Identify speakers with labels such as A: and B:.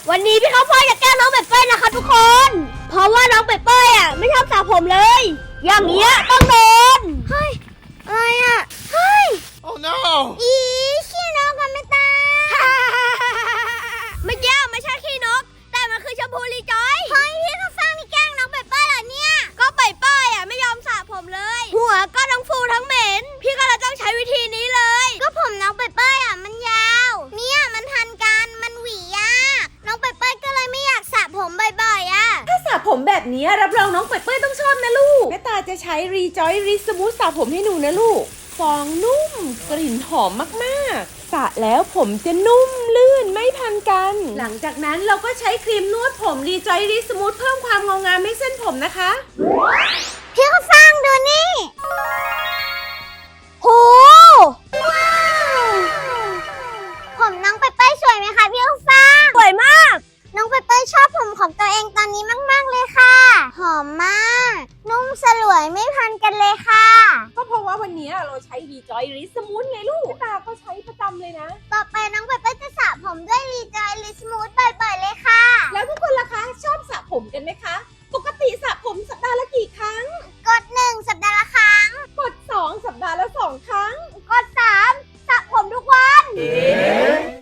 A: วันนี้พี่ข้าวโพดจะแกล้งน้องเปเป้นะคะทุกคน เพราะว่าน้องเปเป้อะไม่ชอบสระผมเลย อย่างเงี้ยต้องโดนเฮ้ยอะไรอะเฮ้ย
B: Oh no
A: อีขี้นกกันไม่ตาเมื่อกี้ไม่ใช่ขี้นกแต่มันคือชมพูรีจอยเฮ้ยพี่เขาสร้างนี่แกล้งน้องเปเป้เหรอเนี่ยก็เปเป้อะไม่ยอมสระผมเลยหัวก็ทั้งฟูทั้งเหม็นพี่ก็เลยต้องใช้วิธีนี้เลยก็ผมน้องเปเป้อะมันยาวเนี่ยมันทันกันมันหวีอะน้องเปเป้ก็เลยไม่อยากสระผมบ่อยๆอะ
C: ถ้าสระผมแบบนี้รับรองน้องเป้ยต้องชอบนะลูกแม่ตาจะใช้รีจอยรีสมูทสระผมให้หนูนะลูกฟองนุ่มกลิ่นหอมมากๆสระแล้วผมจะนุ่มลื่นไม่พันกัน หลังจากนั้นเราก็ใช้ครีมนวดผมรีจอยรีสมูทเพิ่มความเงางามให้เส้นผมนะคะ
A: พี่เขาสร้างดูนี่โหว้าวผมน้องเปเป้สวยไหมคะพี่เขาสร้างสวยมากน้องเปเป้ชอบผมของตัวเองตอนนี้มากๆเลยค่ะหอมมากนุ่มสลวยไม่พันกันเลยค่ะ
C: ก็เพราะว่าวันนี้เราใช้รีจอยรีสมูทไงลูกแม่ตาก็ใช้ประจำเลยนะ
A: ต่อไปน้องเปเป้จะสระผม